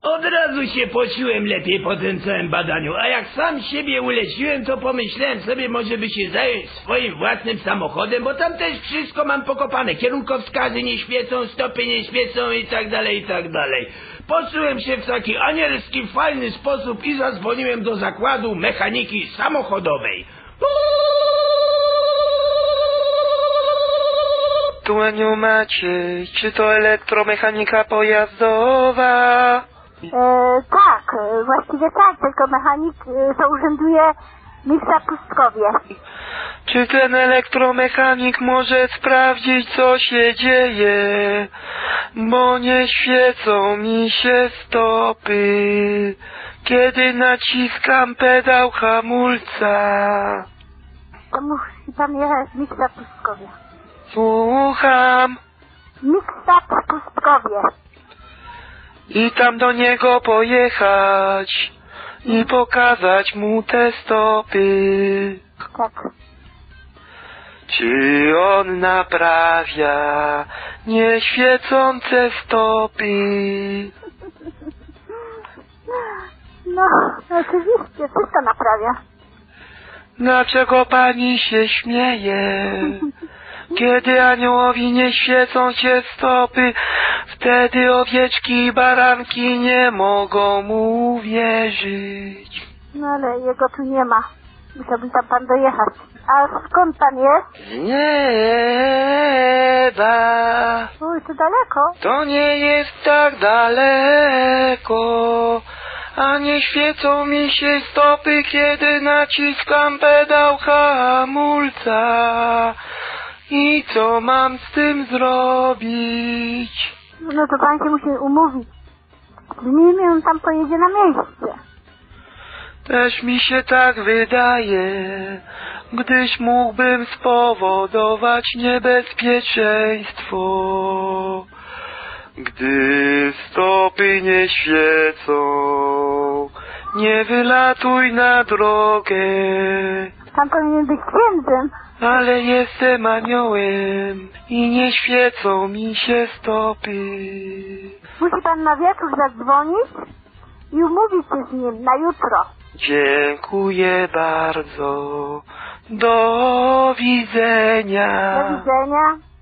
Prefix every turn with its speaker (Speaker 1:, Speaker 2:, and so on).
Speaker 1: Od razu się poczułem lepiej po tym całym badaniu, a jak sam siebie uleciłem, to pomyślałem sobie, może by się zająć swoim własnym samochodem, bo tam też wszystko mam pokopane. Kierunkowskazy nie świecą, stopy nie świecą i tak dalej, i tak dalej. Poczułem się w taki anielski, fajny sposób i zadzwoniłem do zakładu mechaniki samochodowej.
Speaker 2: Tu Aniu Maciej, czy to elektromechanika pojazdowa?
Speaker 3: Tak, właściwie tak, tylko mechanik to urzęduje mistrza Pustkowie.
Speaker 2: Czy ten elektromechanik może sprawdzić, co się dzieje? Bo nie świecą mi się stopy, kiedy naciskam pedał hamulca.
Speaker 3: To musi pan jechać mistrza Pustkowie.
Speaker 2: Słucham.
Speaker 3: Mistrza Pustkowie.
Speaker 2: I tam do niego pojechać i pokazać mu te stopy.
Speaker 3: Tak.
Speaker 2: Czy on naprawia nieświecące stopy?
Speaker 3: No, oczywiście, wszystko naprawia.
Speaker 2: Dlaczego pani się śmieje? Kiedy aniołowi nie świecą się stopy, wtedy owieczki i baranki nie mogą mu uwierzyć.
Speaker 3: No ale jego tu nie ma. Musiałby tam pan dojechać. A skąd pan jest?
Speaker 2: Z nieba.
Speaker 3: Uj, to daleko.
Speaker 2: To nie jest tak daleko, a nie świecą mi się stopy, kiedy naciskam pedał hamulca. I co mam z tym zrobić?
Speaker 3: No to pan się musi umówić. Z nim on tam pojedzie na miejsce.
Speaker 2: Też mi się tak wydaje, gdyż mógłbym spowodować niebezpieczeństwo. Gdy stopy nie świecą, nie wylatuj na drogę.
Speaker 3: Pan powinien być księdzem.
Speaker 2: Ale jestem aniołem i nie świecą mi się stopy.
Speaker 3: Musi pan na wieczór zadzwonić i umówić się z nim na jutro.
Speaker 2: Dziękuję bardzo. Do widzenia.
Speaker 3: Do widzenia.